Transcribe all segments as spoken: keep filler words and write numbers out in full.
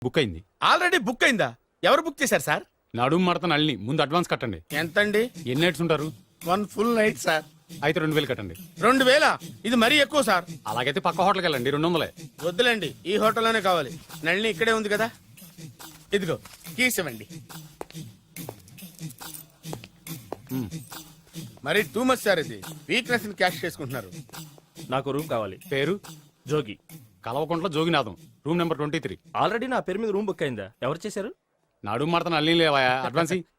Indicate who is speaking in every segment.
Speaker 1: Book అయింది.
Speaker 2: Already book అయిందా? ఎవరు బుక్ చేశారు సార్?
Speaker 1: నడుము మడత నల్ని ముందు అడ్వాన్స్ కట్టండి.
Speaker 2: ఎంతండి?
Speaker 1: ఎన్ని నైట్స్ ఉంటారు?
Speaker 2: One full night sir.
Speaker 1: అయితే రెండు వేలు కట్టండి.
Speaker 2: రెండు వేల? ఇది మరీ ఎక్కువ సార్.
Speaker 1: అలాగైతే పక్క హోటల్కి వెళ్ళండి, రెండు వందలే.
Speaker 2: వద్దులేండి, ఈ హోటల్లోనే కావాలి. నళిని ఇక్కడే ఉంది కదా, ఇదిగో కీస్ ఇవ్వండి. మరి టూ మచ్ సార్, ఇది వీక్నెస్ ని క్యాష్ చేసుకుంటున్నారు.
Speaker 3: నాకు రూమ్ కావాలి.
Speaker 1: పేరు?
Speaker 3: Jogi.
Speaker 1: Kalavakuntla Joginatham, room number twenty three.
Speaker 3: Already నా పేరు మీద రూమ్ బుక్ అయిందా? ఎవరు చేశారు?
Speaker 1: నడుము మడత నల్ని లేవా, అడ్వాన్స్ ఇయ్యి.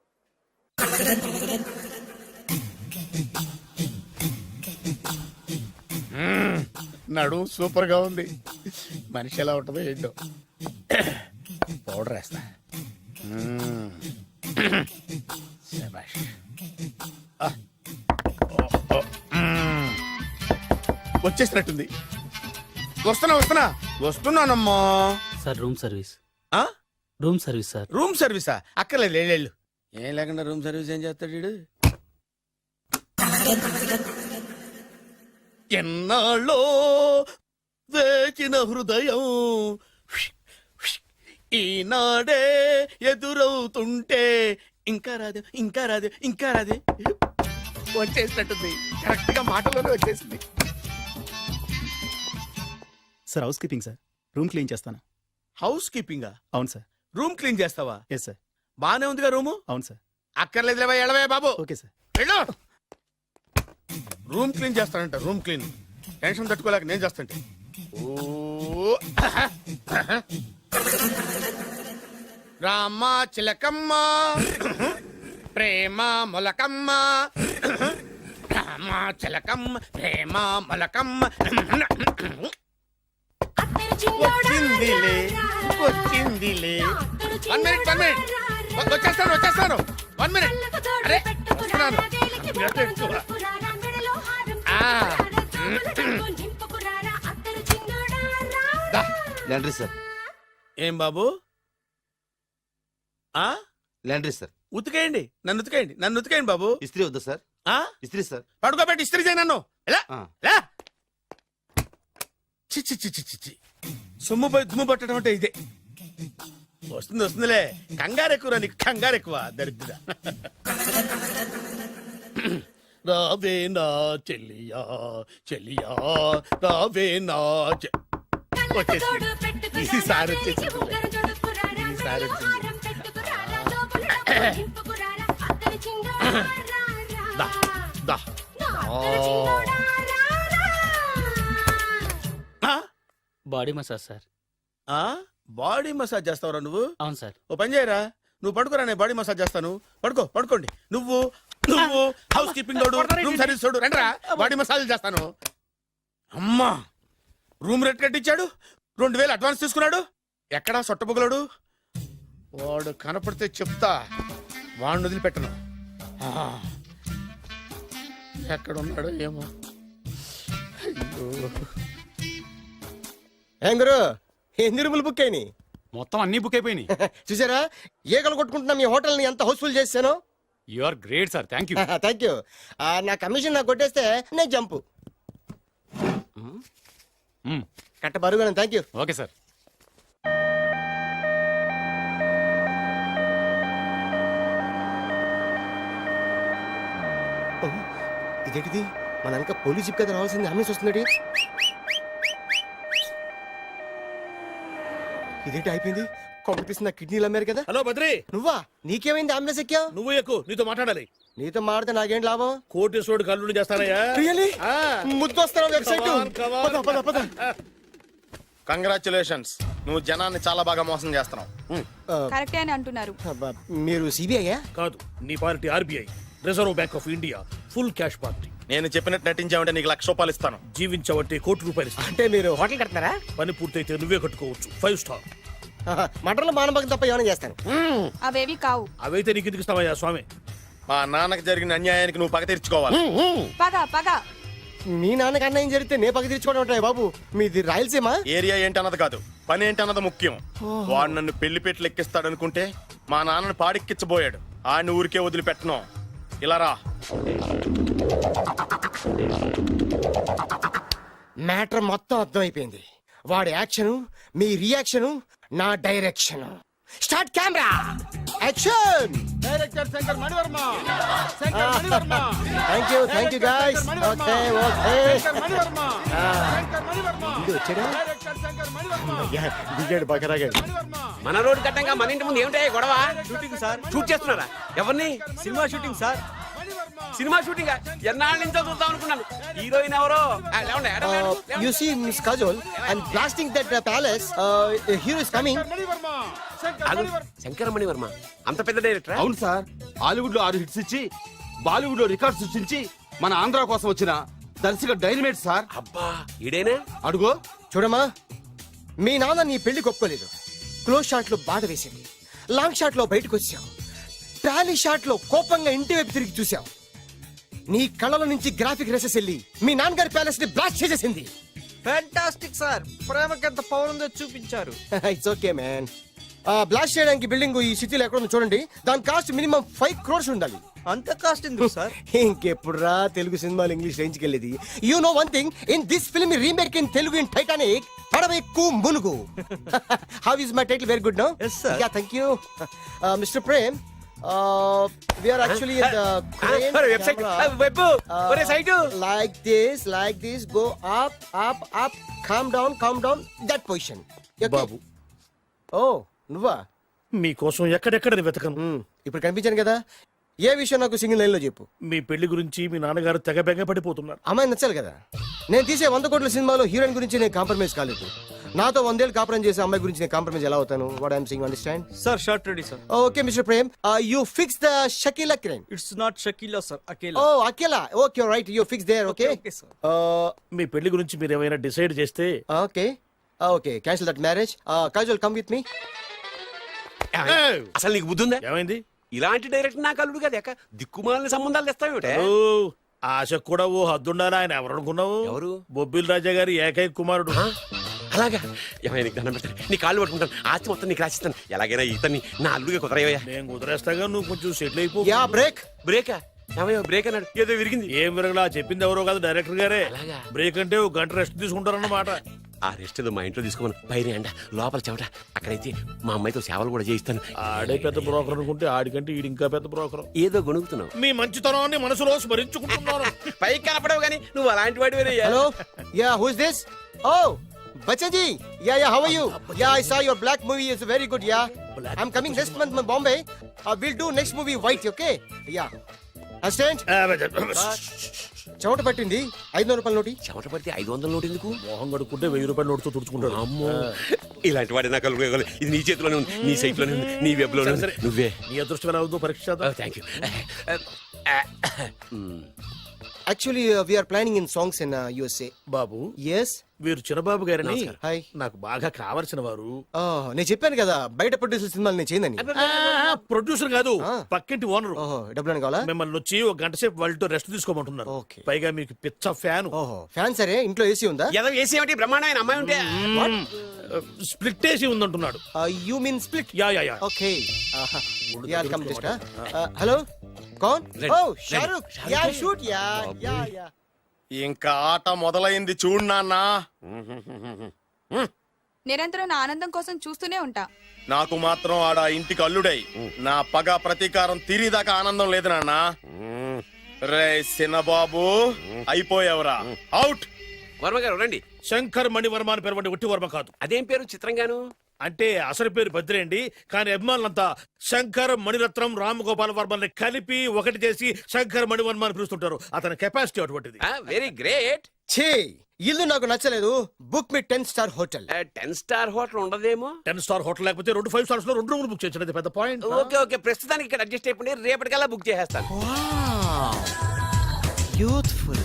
Speaker 2: నడు సూపర్ గా ఉంది. మనిషి ఎలా ఉంటుందో ఏంటో. పౌడర్ వేస్తా. మ్మ్. శభాష్. ఆ. ఓ, ఓ. మ్మ్. వచ్చేసినట్టుంది. వస్తున్నా వస్తున్నా వస్తున్నానమ్మా.
Speaker 4: Sir room service.
Speaker 2: ఆ?
Speaker 4: Room service sir.
Speaker 2: రూమ్ సర్వీసా? అక్కర్లేదు, లేళ్ళు. ఏం లేకుండా రూమ్ సర్వీస్ ఏం చేస్తాడు వీడు? ఎన్నాళ్ళో వేచిన హృదయం ఈనాడే ఎదురవుతుంటే ఇంకా రాదు ఇంకా రాదు ఇంకా రాదు వచ్చేసినట్టుంది. కరెక్ట్ గా మాటలోనే వచ్చేసింది.
Speaker 5: Sir house keeping sir, room clean చేస్తాను.
Speaker 2: హౌస్ కీపింగా?
Speaker 5: అవును సార్.
Speaker 2: రూమ్ క్లీన్ చేస్తావా?
Speaker 5: Yes sir.
Speaker 2: బానే ఉందిగా రూము?
Speaker 5: అవును సార్.
Speaker 2: అక్కర్లేదు లేవా, ఎడవే బాబు.
Speaker 5: Okay sir.
Speaker 2: వెళ్ళు. రూమ్ క్లీన్ చేస్తానంట, రూమ్ క్లీన్. టెన్షన్ తట్టుకోలేక నేను చేస్తాంటే. ఓ రామ చిలకమ్మ ప్రేమ మొలకమ్మ, రామ చిలకమ్మ ప్రేమ మొలకమ్మ. వచ్చిందిలే వచ్చిందిలే. వన్ మినిట్ వన్ మినిట్ వచ్చేస్తాను వచ్చేస్తాను వన్ మినిట్. అరే వస్తున్నాను.
Speaker 6: Laundry sir.
Speaker 2: ఏం బాబు? ఆ
Speaker 6: లాండ్రీ సార్.
Speaker 2: ఉతికేయండి, నన్ను ఉతికేయండి, నన్ను ఉతికేయండి బాబు.
Speaker 6: ఇస్త్రీ వద్దా సార్?
Speaker 2: ఆ
Speaker 6: ఇస్త్రీ సార్.
Speaker 2: పడుకోబెట్టి ఇస్త్రీ చేయి నన్ను. ఎలా
Speaker 6: ఆ.
Speaker 2: ఎలా చిచ్చి చిచ్చి చిచ్చి సొమ్ము పోయి దుమ్ము పట్టడం అంటే ఇదే. వస్తుంది వస్తుందిలే, కంగారు ఎక్కువ నీకు, కంగారు ఎక్కువ దరిద్ర. రావే నా చెల్లియా చెల్లియా రావే నా చె- వచ్చేసింది. ఈసారి వచ్చేసింది. ఈసారి వచ్చింది. దా, దా. ఆ,
Speaker 4: బాడీ మసాజ్ సార్.
Speaker 2: ఆ, బాడీ మసాజ్ చేస్తావురా నువ్వు?
Speaker 4: అవును సార్.
Speaker 2: ఓ పని చేయరా, నువ్వు పడుకోరా, నేను బాడీ మసాజ్ చేస్తాను. పడుకో పడుకోండి. నువ్వు నువ్వు హౌస్ కీపింగ్ తోడు, రూమ్ సర్వీస్ తోడు, రండిరా బాడీ మసాజ్ చేస్తాను. అమ్మా, రూమ్ రేట్ కట్టించాడు, రెండు వేలు అడ్వాన్స్ తీసుకున్నాడు. ఎక్కడా సొట్టబుగలాడు? వాడు కనపడితే చెప్తా, వాడిని వదిలిపెట్టను. ఆ, ఎక్కడున్నాడో ఏమో. అయ్యో.
Speaker 7: ఏం గురు, ఎన్ని రూములు బుక్ అయినాయి?
Speaker 1: మొత్తం అన్ని బుక్ అయిపోయినాయి.
Speaker 7: చూసారా ఏగలు కొట్టుకుంటున్నా మీ హోటల్ ని ఎంత హౌస్ఫుల్ చేశాను.
Speaker 1: You are great sir, thank you.
Speaker 7: Thank you. నా కమిషన్ నాకు కొట్టేస్తే నేను జంపు కట్ట బరువు. Thank you.
Speaker 1: Okay sir.
Speaker 7: ఇదేంటిది, మన వెనక పోలీస్ జిప్ కదా రావాల్సింది, అంబులెన్స్ వస్తుంది. ఇదేంటి అయిపోయింది, కొంపటిస్తున్న కిడ్నీలు అమ్మారు కదా.
Speaker 2: హలో బద్రి,
Speaker 7: నువ్వా? నీకేమైంది అంబులెన్స్ ఎక్కావు?
Speaker 2: నువ్వు ఎక్కువ, నీతో మాట్లాడాలి.
Speaker 7: నీతో మాడితే నాకేం లాభం?
Speaker 2: కోటేశ్వరుడు కల్లుడు చేస్తానయ్యా.
Speaker 7: ముద్దు వస్తాను వెబ్సైట్.
Speaker 6: కంగ్రాచులేషన్స్, నువ్వు జనాన్ని చాలా బాగా మోసం చేస్తున్నావు.
Speaker 8: కరెక్టే అని అంటున్నారు.
Speaker 7: మీరు సిబిఐయా?
Speaker 2: కాదు, నీ party RBI, reserve bank of India, full cash party.
Speaker 6: నేను చెప్పినట్టు నటించావంటే నీకు లక్ష రూపాయలు ఇస్తాను.
Speaker 2: జీవించావంటే కోటి రూపాయలు ఇస్తాను.
Speaker 7: అంటే మీరు హోటల్ కడతారా?
Speaker 2: పని పూర్తయితే నువ్వే కట్టుకోవచ్చు, ఫైవ్ స్టార్.
Speaker 7: మటన్లో మానభంగం తప్ప ఏమైనా చేస్తాను.
Speaker 8: అవేవి కావు.
Speaker 2: అవైతే నీకు ఎందుకు ఇస్తావయ్యా స్వామి?
Speaker 6: మా నాన్నకి జరిగిన అన్యాయానికి నువ్వు పగ తీర్చుకోవాలి.
Speaker 8: పగ పగ.
Speaker 7: మీ నాన్నకి అన్యాయం జరిగితే నే పగ తీర్చుకోవడం ఉంటాయి బాబు. మీది రాయలసీమ.
Speaker 6: ఏరియా ఏంటన్నది కాదు, పని ఏంటన్నది ముఖ్యం. వాడు నన్ను పెళ్లి పెట్లు ఎక్కిస్తాడనుకుంటే మా నాన్నని పాడెక్కించబోయాడు. ఆయన ఊరికే వదిలిపెట్టను. ఇలా రా.
Speaker 7: మ్యాటర్ మొత్తం అర్థమైపోయింది. వాడి యాక్షన్, మీ రియాక్షన్ నా direction. Start camera action.
Speaker 2: Director Shankar Manivarma Shankar Manivarma
Speaker 7: thank you thank you guys. Okay okay
Speaker 2: Shankar Manivarma Shankar Manivarma
Speaker 7: ఇది వచ్చాడా?
Speaker 2: డైరెక్టర్ శంకర్ మణివర్మ
Speaker 7: దిగాడు బకరాగాడు.
Speaker 9: మన రోడ్డు కట్టంగా మన ఇంటి ముందు ఏమిటాయి గొడవ? Shooting sir. షూట్ చేస్తున్నారా? ఎవరిని? Cinema shooting sir. Cinema shooting ఎన్నాళ్ళ నుంచో చూద్దాం అనుకున్నాను. హీరోయిన్ ఎవరో? ఆ, లేవండి, ఎడ లేవండి, లేవండి.
Speaker 7: You see Miss Kajol and blasting that uh, palace. Uh, the hero is coming.
Speaker 2: Mani Varma Shankar
Speaker 9: ఆగు,
Speaker 2: మణివర్మ
Speaker 9: శంకరమణి వర్మ అంత పెద్ద డైరెక్టర్?
Speaker 10: అవును సార్, హాలీవుడ్ లో ఆరు హిట్స్ ఇచ్చి బాలీవుడ్ లో రికార్డ్ సృష్టించి మన ఆంధ్ర కోసం వచ్చిన దర్శక డైనమేట్ సార్.
Speaker 9: అబ్బా ఈడేనా?
Speaker 10: అడుగో.
Speaker 7: చూడమ్మా, మీ నాన్న నీ పెళ్లి ఒప్పుకోలేదు. క్లోజ్ షాట్ లో బాధ వేసింది, లాంగ్ షాట్ లో బయటకు వచ్చావు, ట్రాలీ షాట్ లో కోపంగా ఇంటి వైపు తిరిగి చూసావు. నీ కళ్ళల నుంచి గ్రాఫిక్ రెసెస్ వెళ్ళి మీ నాన్నగారి ప్యాలెస్ ని బ్లాస్ట్ చేసేసింది.
Speaker 3: ఫ్యాంటాస్టిక్ సార్, ప్రేమకి ఎంత పవర్ ఉందో చూపించారు.
Speaker 7: It's okay man. బ్లాస్ట్ చేయడానికి బిల్డింగ్ ఈ సిటీలో ఎక్కడ ఉందో చూడండి. దాని కాస్ట్ మినిమం ఫైవ్ క్రోర్స్ ఉండాలి.
Speaker 3: అంత కాస్ట్ ఎందుకు సార్?
Speaker 7: ఇంకెప్పుడురా తెలుగు సినిమాలు ఇంగ్లీష్ రేంజ్కి వెళ్ళేది. You know one thing, in this film remake in Telugu in Titanic పడవెక్కు మునుగు. How is my title? Very good no.
Speaker 3: Yes, sir.
Speaker 7: Yeah thank you mister Prem. We are actually in the crane
Speaker 9: website
Speaker 7: camera.
Speaker 9: Web ఒరే site
Speaker 7: Like this, like this, go up, up, up, calm down, calm down, that position. Okay?
Speaker 2: బాబు.
Speaker 7: Oh, నువ్వా?
Speaker 2: మీకోసం ఎక్కడెక్కడ వెతకను.
Speaker 7: Hmm, ఇప్పుడు కనిపించాను కదా. ఏ విషయం నాకు single line లో చెప్పు.
Speaker 2: మీ పెళ్లి గురించి మీ నాన్నగారు తెగ బెంగ పడిపోతున్నారు.
Speaker 7: అమ్మాయి నచ్చాలి కదా. నేను తీసే వంద కోట్ల సినిమాలో హీరోయిన్ గురించి నేను కాంప్రమైజ్ కాలేదు. నాతో వందేళ్ళు కాపురం చేసే అమ్మాయి గురించి నేను కాంప్రమైజ్ ఎలా అవుతాను? What I'm saying understand?
Speaker 3: Sir shot ready sir.
Speaker 7: Okay mister Prem, you fix the Shakeela crime.
Speaker 3: It's not Shakeela sir, Akela.
Speaker 7: Oh Akela. Okay right, you fix there. Okay
Speaker 3: Okay, sir.
Speaker 2: మీ పెళ్లి గురించి మీరు ఏమైనా డిసైడ్ చేస్తే
Speaker 7: okay okay cancel that marriage. Kajal come with me.
Speaker 9: అసలు నీకు బుద్ధి ఉందా?
Speaker 2: ఏమైంది?
Speaker 9: ఇలాంటి డైరెక్టర్ నాకు అల్లుడు కదా ఎక్క దిక్కుమాలిన సంబంధాలు తెస్తావేమిటే?
Speaker 2: ఓ, ఆశ కూడా ఓ హద్దుండాలి. ఆయన ఎవరు అనుకున్నావు?
Speaker 9: ఎవరు?
Speaker 2: బొబ్బిల్ రాజా గారి ఏకైక కుమారుడు.
Speaker 9: ఆ? అలాగా? ఏమైనా నీకు దండం పెడతాను, నీ కాళ్ళు పట్టుకుంటాను, ఆస్తి మొత్తం నీకు రాసిస్తాను. ఎలాగైనా ఇతన్ని నా అల్లుడిగా కుదరయ్యా.
Speaker 2: నేను కుదిరేస్తాగా, నువ్వు కొంచెం సెటిల్ అయిపో.
Speaker 7: Yeah break.
Speaker 9: బ్రేకా? ఏమయ్యో బ్రేక్ అన్నాడు, ఏదో విరిగింది.
Speaker 2: ఏం విరగలా, చెప్పింది ఎవరో కాదు, డైరెక్టర్ గారే.
Speaker 9: అలాగా?
Speaker 2: బ్రేక్ అంటే ఒక గంట రెస్ట్ తీసుకుంటారన్నమాట.
Speaker 9: ఆ రెస్ట్ ఏదో మా ఇంట్లో తీసుకోమను. పైన ఎండ, లోపల చెమట. అక్కడైతే మా అమ్మాయితో సేవలు కూడా చేయిస్తాను.
Speaker 2: ఆడే పెద్ద బ్రోకర్ అనుకుంటే ఆడికంటే ఈడు ఇంకా పెద్ద బ్రోకర్.
Speaker 9: ఏదో గొణుగుతున్నావు.
Speaker 2: మీ మంచితనాన్ని మనసులో స్మరించుకుంటున్నాను.
Speaker 9: పైకి కనపడవు కానీ నువ్వు అలాంటి వాడి
Speaker 7: Hello? Yeah, who is this? Oh, Bachchan ji. Yeah, yeah, how are you? Yeah, I saw your black movie. It's very good, yeah. I'm coming next month in Bombay. Uh, we'll do next movie white, okay? Yeah. Understand? చెమట పట్టింది. ఐదు వందల రూపాయల నోటి.
Speaker 9: చెమట పడితే ఐదు వందల నోటు ఎందుకు?
Speaker 2: మోహం కడుక్కుంటే వెయ్యి రూపాయల నోటుతో తుడుచుకుంటాడు.
Speaker 9: అమ్మో, ఇలాంటి వాడి నాకు అల్లుడు. ఇది నీ చేతిలోనే ఉంది, నీ సైట్ లోనే ఉంది, నీ వెబ్ లోనే ఉంది. నువ్వే.
Speaker 2: నీ అదృష్టం ఎలా ఉందో పరీక్ష చేద్దాం.
Speaker 9: Thank you.
Speaker 7: Actually, uh, we are planning in songs in uh, U S A.
Speaker 2: బాబు,
Speaker 7: Yes.
Speaker 2: వీరు చిన్నబాబు గారని
Speaker 7: హాయ్.
Speaker 2: నాకు బాగా కావలసిన వారు.
Speaker 7: Oh, నేను చెప్పాను కదా బయట ప్రొడ్యూసర్ సినిమాలు నేను చేయదని.
Speaker 2: ప్రొడ్యూసర్ కాదు,
Speaker 7: ఆ.
Speaker 2: పక్కింటి ఓనరు.
Speaker 7: ఓహో, డబ్బులు కావాలా?
Speaker 2: మిమ్మల్ని వచ్చి ఒక గంట సేపు వాళ్ళతో రెస్ట్ తీసుకోమంటున్నారు.
Speaker 7: ఓకే.
Speaker 2: పైగా మీకు పిచ్చ ఫ్యాన్.
Speaker 7: ఓహో, ఫ్యాన్ సరే. ఇంట్లో ఏసీ ఉందా?
Speaker 9: ఏదో వేసి ఏమిటి బ్రహ్మాండమైన అమ్మాయి ఉంటే
Speaker 2: స్ప్లిట్ వేసి ఉందంటున్నాడు.
Speaker 7: You mean split?
Speaker 2: Yeah yeah yeah.
Speaker 7: Okay. Yeah come just. Hello, కౌన్? Oh Shahrukh. Yeah shoot. Yeah yeah yeah.
Speaker 6: ఇంకా ఆట మొదలైంది చూడు నాన్న.
Speaker 8: నిరంతరం నా ఆనందం కోసం చూస్తూనే ఉంటా.
Speaker 6: నాకు మాత్రం ఆడ ఇంటికి అల్లుడై నా పగ ప్రతీకారం తీరిదాకా ఆనందం లేదు నాన్న. రే సినబాబు, అయిపోయావురా, అవుట్.
Speaker 9: వర్మ గారు రండి.
Speaker 2: శంకర్ మణివర్మ అని పేరు వంటి ఒట్టి వర్మ కాదు.
Speaker 9: అదేం పేరు చిత్రంగాను?
Speaker 2: అంటే అసలు పేరు బద్రేండి, కానీ అభిమానులంతా శంకర్ మణిరత్నం రామగోపాల్ వర్మని కలిపి ఒకటి చేసి శంకర్ మణివర్మ అని పిలుస్తుంటారు. అతని కెపాసిటీ అటువంటిది.
Speaker 9: Very great.
Speaker 7: ఛీ, ఇల్లు నాకు నచ్చలేదు. Book me ten star hotel.
Speaker 9: Ten star hotel ఉండదేమో.
Speaker 2: టెన్ స్టార్ హోటల్ లేకపోతే రెండు ఫైవ్ స్టార్స్ లో రెండు రూములు బుక్ చేయొచ్చు. పెద్ద పాయింట్.
Speaker 9: ఓకే ఓకే, ప్రస్తుతానికి ఇక్కడ అడ్జస్ట్ అయిపోయి రేపటికల్లా బుక్ చేసేస్తాను.
Speaker 7: యూత్ఫుల్.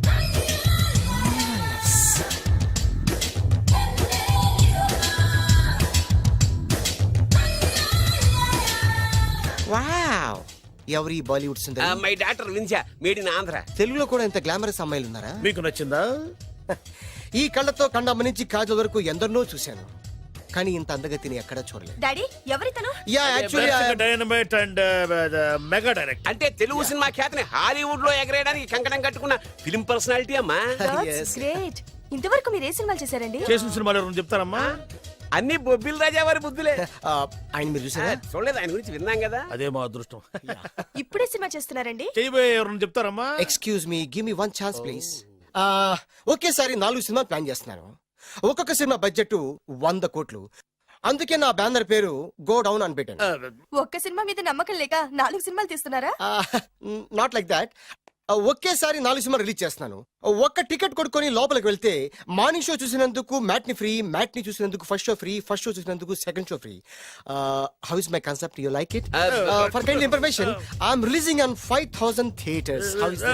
Speaker 7: వావ్, ఎవరి బాలీవుడ్ సుందరి?
Speaker 9: మై డాక్టర్ విన్సా, మేడ్ ఇన్ ఆంధ్ర.
Speaker 7: తెలుగులో కూడా ఇంత గ్లామరస్ అమ్మాయిలు ఉన్నారా?
Speaker 2: మీకు నచ్చిందా?
Speaker 7: ఈ కళ్ళతో కండమ్మ నుంచి కాజల్ వరకు ఎందరినో చూశాను, కానీ ఇంత అందగతిని ఎక్కడా చూడలేదు.
Speaker 8: డాడీ ఎవరితను?
Speaker 7: Yeah actually
Speaker 2: dynamite and mega direct.
Speaker 9: అంటే తెలుగు సినిమా ఖ్యాతిని హాలీవుడ్ లో ఎగరేయడానికి కంకణం కట్టుకున్న ఫిల్మ్ పర్సనాలిటీ అమ్మా.
Speaker 8: గ్రేట్. ఇంతవరకు మీరు ఏ సినిమాలు చేశారండి?
Speaker 2: చేసిన సినిమాలు ఎవరు చెప్తారమ్మా?
Speaker 9: అన్ని బొబ్బిల్ రాజా వారి బుద్ధులే
Speaker 7: ఆ, ఆయన మీరు
Speaker 9: ఆ,
Speaker 7: చూసారా
Speaker 9: చూడలేదు ఆయన గురించి విన్నాం కదా.
Speaker 2: అదే మా అదృష్టం.
Speaker 8: ఇప్పుడే సినిమా చేస్తున్నారండి?
Speaker 2: చేయబోయే ఎవరన్నా చెప్తారమ్మా?
Speaker 7: Excuse me give me one chance please. ఒకేసారి నాలుగు సినిమా ప్లాన్ చేస్తున్నాను. ఒక్కొక్క సినిమా బడ్జెట్ వంద కోట్లు. అందుకే నా బ్యానర్ పేరు గో డౌన్ అని పెట్టాను.
Speaker 8: ఒక్క సినిమా మీద నమ్మకం లేక నాలుగు సినిమాలు తీస్తున్నారా?
Speaker 7: Not like that. ఒకేసారి నాలుగు సినిమా రిలీజ్ చేస్తున్నాను. ఒక్క టికెట్ కొనుక్కొని లోపలికి వెళ్తే మార్నింగ్ షో చూసినందుకు మ్యాట్ని ఫ్రీ, మ్యాట్ని చూసినందుకు first show free, first show చూసినందుకు second show free. How is my concept? You like it? For kind information, I'm releasing on five thousand theatres. How is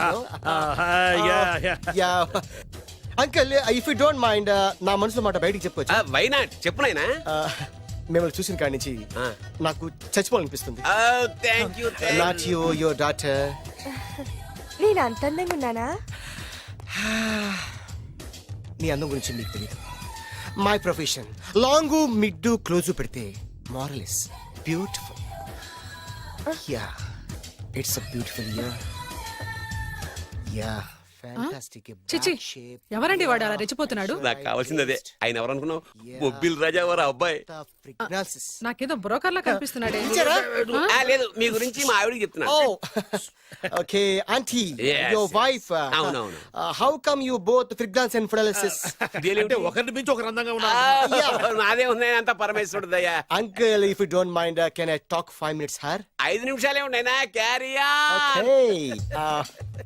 Speaker 7: ya uncle, if you don't mind నా మనసులో మాట బయటికి చెప్పొచ్చు.
Speaker 9: Why not చెప్పు నాయనా.
Speaker 7: Uh, మిమ్మల్ని చూసిన కాడి నుంచి నాకు చచ్చిపోవాలనిపిస్తుంది.
Speaker 9: Thank you
Speaker 7: not you, your daughter.
Speaker 8: నేను అంత అందంగా ఉన్నానా?
Speaker 7: నీ అందం గురించి మీకు తెలియదు. My profession long mid close పెడితే moral is beautiful. Yeah, it's a beautiful year. Yeah, fantastic.
Speaker 11: చిచి, ఎవరండి వాడు అలా రెచ్చిపోతున్నాడు?
Speaker 9: నాకు కావాల్సింది అదే. ఆయన ఎవరు అనుకున్నావు? బొబ్బిల్ రాజా వారి అబ్బాయి.
Speaker 11: నాకేదో బ్రోకర్ లా కనిపిస్తున్నాడే.
Speaker 9: ఆ, లేదు, మీ గురించి మా ఆవిడకి చెప్తున్నా.
Speaker 7: Oh, okay, auntie,
Speaker 9: Yes,
Speaker 7: your
Speaker 9: yes.
Speaker 7: wife. Uh,
Speaker 9: అవునవును.
Speaker 7: uh, how come you both freelance and paralysis?
Speaker 2: అంటే ఒకరిని మించి ఒకరు అందంగా ఉన్నారు.
Speaker 9: నాదే ఉంది అంత పరమేశ్వరుడు దయ్యా.
Speaker 7: Uncle, if you don't mind, uh, can I talk five minutes, sir?
Speaker 9: ఐదు నిమిషాలే ఉన్నాయినా క్యారియా.
Speaker 7: Okay. Uh,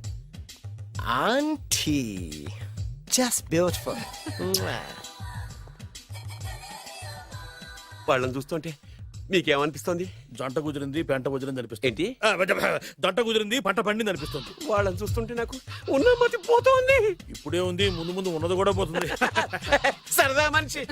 Speaker 7: auntie, just beautiful. Mwah.
Speaker 9: వాళ్ళని చూస్తుంటే మీకేమనిపిస్తుంది?
Speaker 2: జంట కుదిరింది, పెంట కుదిరింది అనిపిస్తుంది.
Speaker 9: ఏంటి?
Speaker 2: ఆ, జంట కుదిరింది, పంట పండింది అనిపిస్తుంది.
Speaker 9: వాళ్ళని చూస్తుంటే నాకు ఉన్న మతి పోతోంది.
Speaker 2: ఇప్పుడే ఉంది, ముందు ముందు ఉన్నది కూడా పోతుంది.
Speaker 9: సరదా మనిషి.